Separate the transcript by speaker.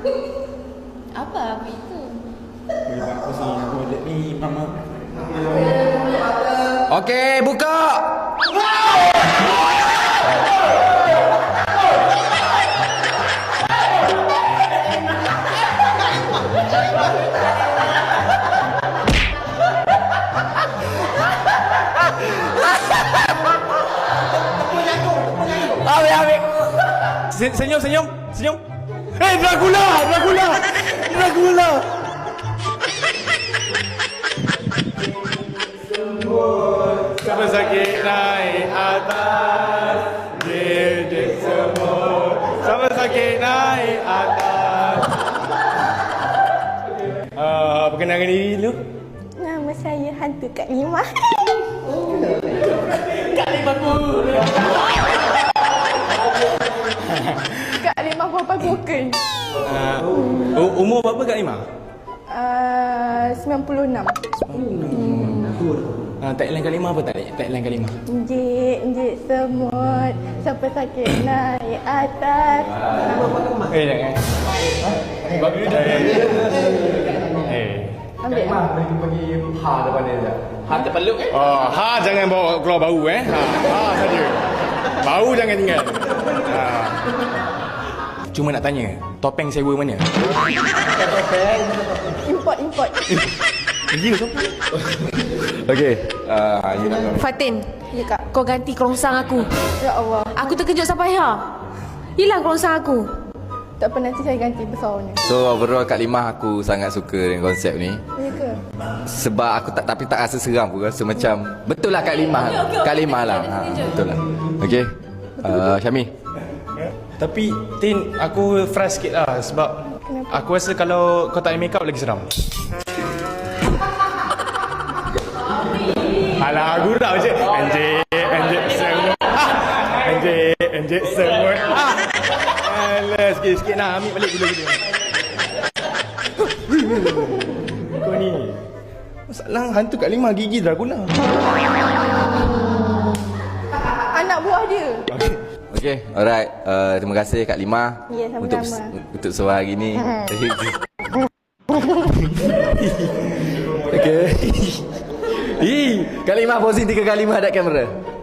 Speaker 1: Apa itu?
Speaker 2: Aku sini, aku ada ni, mama.
Speaker 3: Okey, buka. Ambil. Senyum. Dracula. Siapa sakit naik atas, dek semut. Siapa sakit naik atas. Perkenalkan diri dulu.
Speaker 4: Nama saya Hantu Kak Limah.
Speaker 3: Kak Limah pun.
Speaker 4: Kak Limah Bapa Gokeng.
Speaker 3: Umur berapa Kak Limah?
Speaker 4: 96.
Speaker 3: Tagline Kak Limah apa tagline Kak Limah?
Speaker 4: Enjik semut, siapa sakit naik atas.
Speaker 3: Jangan.
Speaker 4: Ambil.
Speaker 2: Pergi ha depan dia je.
Speaker 3: Ha terpeluk
Speaker 2: Jangan bawa keluar bau Ha saja. Bau jangan tinggal.
Speaker 3: Cuma nak tanya, topeng sewa mana?
Speaker 4: Import.
Speaker 3: Gila tu.
Speaker 2: Okey. You nak
Speaker 1: Fatin,
Speaker 4: Ya Kak.
Speaker 1: kau ganti kerongsang aku.
Speaker 4: Ya Allah.
Speaker 1: Aku terkejut sampai hilang kerongsang aku.
Speaker 4: Tak pernah nanti saya ganti besarnya.
Speaker 5: So overall Kak Limah aku sangat suka dengan konsep ni.
Speaker 4: Ya ke?
Speaker 5: Sebab aku tapi tak rasa seram, aku rasa macam betul lah Kak Limah. Kak Limah lah. Betul lah. Okey. Syami.
Speaker 2: Tapi Tin, aku fresh sikit lah sebab
Speaker 4: Kenapa?
Speaker 2: aku rasa kalau kau tak ada make up lagi seram. Alah, aku tak macam anjik semut. Anjik semut. Alah, sikit-sikit nak ambil balik dulu. Kau ni masalah hantu Kak Limah gigi Dracula.
Speaker 4: Anak buah dia.
Speaker 5: Okey, alright. Terima kasih Kak Limah
Speaker 4: Ya, sama-sama.
Speaker 5: untuk suara hari ni. Okey. Kak Limah posing 3 kali menghadap kamera.